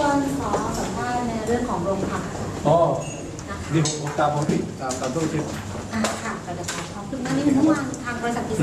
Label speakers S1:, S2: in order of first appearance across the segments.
S1: วนขอสัมภาษณ์ในเรื่องของโรงผัก
S2: อ๋อ
S1: นะคะ
S2: นี่ผมตามผมที่ตามตู้ที่
S1: ค่ะกระดาษขอบคุณมากนี่เมื่อวานทางบริษัท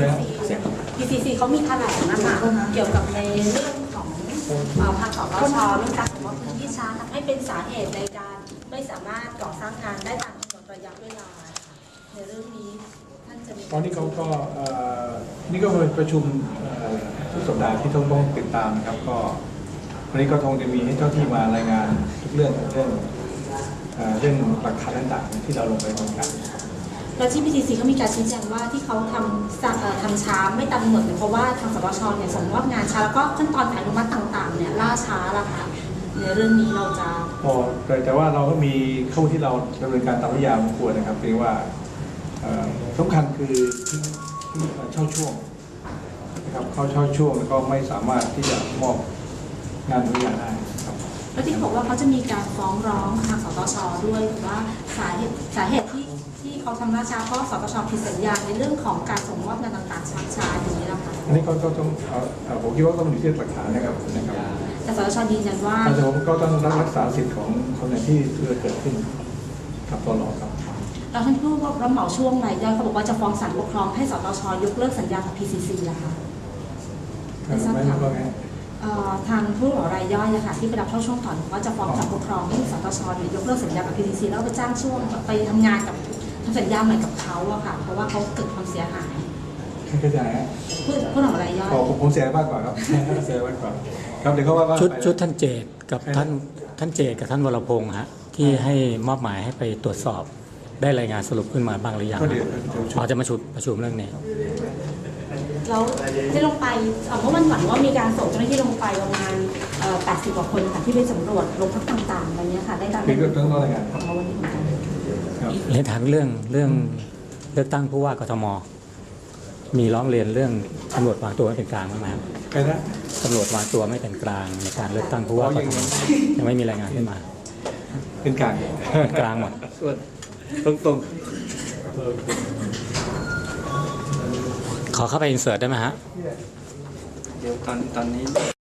S1: PCC เขามีแถลงนะคะเกี่ยวกับในเรื่องของทางสปช.เรื่องการสมมติพื้นที่ช้าทำให้เป็นสาเหตุในการไม่สามารถก่อสร้างงานได้ตามกำหนดระยะเวลาในเรื่องนี้ท่านจะมี
S2: ตอนนี้เขาก็นี่ก็เป็นประชุมทุกสัปดาห์ที่ต้องติดตามนะครับก็วันนี้ก็คงจะมีให้เจ้าที่มารายงานทุกเรื่องเรื่องหลักฐานต่างๆที่เราลงไปทำการ
S1: แล้วที่ PTC เขามีการชี้แจงว่าที่เขาทำช้าไม่ตามกำหนดเนี่ยเพราะว่าทางสปช.เนี่ยส่งมอบงานช้าแล้วก็ขั้นตอนอนุมัติต่างๆเนี่ยล่าช้าละค่ะในเรื่องนี้เราจะ
S2: แต่ว่าเราก็มีเข้าที่เราดำเนินการตามวิทยาของควรนะครับเพียงว่าสำคัญคือเช่าช่วงนะครับเขาเช่าช่วงแล้วก็ไม่สามารถที่จะมอบงานทุกอย่างได้ครับ
S1: แล้วที่บอกว่าเขาจะมีการฟ้องร้องทางสตช.ด้วยว่าสาเหตุที่เขาทำล่าช้าเพราะสตช.ผิดสัญญาในเรื่องของการส่งมอบงานต่างๆช้าอย่างนี้นะคะ
S2: อันนี้ก็ต้องผมคิดว่าต้องอยู่ที่หลักฐานนะครับ
S1: แต่สตช.ยืนยันว่า
S2: แต่ผมก็ต้องรักษาสิทธิ์ของคนที่เกิดขึ้นครับตลอดครับ
S1: เราท่านผู้รับเหมาช่วงรายย่อยเขาบอกว่าจะฟ้องศาลปกครองให้สตช.ยกเลิกสัญญากับ PCC นะคะ
S2: ไม่รู้ว่าไง
S1: ทางผู้รับเหมารายย่อยนะคะที่ไปรับเข้าช่วงต่อว่าจะฟ้องศาลปกครองให้สตช.ยกเลิกสัญญากับ PCC แล้วไปจ้างช่วงไปทำงานกับทำสัญญาใหม่กับเขาอะค่ะเพราะว่าเขาเกิดความเสียหาย
S2: เข้าใจฮะ
S1: ผู้รับเหมารายย่อย
S2: ผมเสียมากกว่าครับเสียมากกว่าครับเดี๋ยวเขาว่า
S3: ชุดท่านเจตกับท่านเจตกับท่านวรพงษ์ฮะที่ให้มอบหมายให้ไปตรวจสอบได้รายงานสรุปขึ้นมาบ้างหรือยังพอจะมาประชุมเรื่องนี้
S1: แล้วที่ลงไปเมื่อวันก่อนว่ามีการส่งเจ้าหน้าที่ลงไปประมาณ80 กว่าคนค่ะที่ไปสำรวจโรงพักต่างๆอะไรเงี้ยค่ะได้การ
S2: เรื่องรายงาน
S1: ของวันนี้เหมือนกัน
S3: เรียนถามเรื่องเลือกตั้งผู้ว่ากทมมีร้องเรียนเรื่องตำรวจวางตัวไม่เป็นกลางบ้างไหมครับตำรวจวางตัวไม่เป็นกลางในการเลือกตั้งผู้ว่ากทมยังไม่มีรายงานขึ้นมา
S2: เป็นกลาง
S3: หมด
S2: ตรง
S3: ขอเข้าไปอินเสิร์ตได้ไหมฮะ
S4: เดี๋ยวตอนนี้